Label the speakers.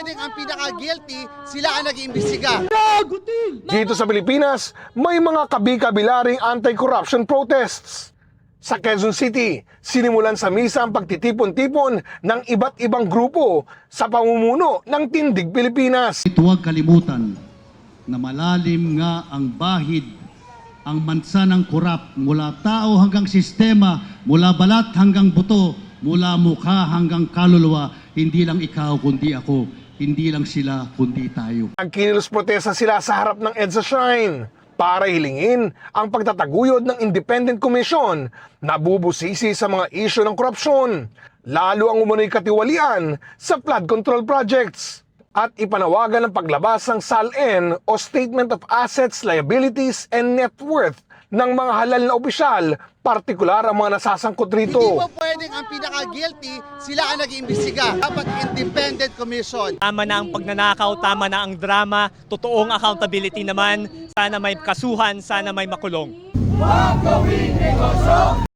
Speaker 1: pwedeng ang pinaka-guilty, sila ang nag-iimbestiga.
Speaker 2: Dito sa Pilipinas, may mga kabi-kabilaring anti-corruption protests. Sa Quezon City, sinimulan sa misa ang pagtitipon-tipon ng iba't ibang grupo sa pamumuno ng Tindig Pilipinas.
Speaker 3: Huwag kalimutan na malalim nga ang bahid, ang mansa ng korap, mula tao hanggang sistema, mula balat hanggang buto, mula mukha hanggang kaluluwa. Hindi lang ikaw kundi ako, hindi lang sila kundi tayo.
Speaker 2: Nagkinilos protesta sila sa harap ng EDSA Shrine para hilingin ang pagtataguyod ng Independent Commission na bubusisi sa mga isyu ng korupsyon, lalo ang umunoy katiwalian sa flood control projects, at ipanawagan ng paglabas ng SALN o Statement of Assets, Liabilities and Net Worth ng mga halal na opisyal, partikular ang mga nasasangkot rito.
Speaker 1: Hindi po pwedeng ang pinaka-guilty, sila ang nag-iimbestiga. Dapat independent commission.
Speaker 4: Tama na ang pagnanakaw, tama na ang drama, totoong accountability naman. Sana may kasuhan, sana may makulong.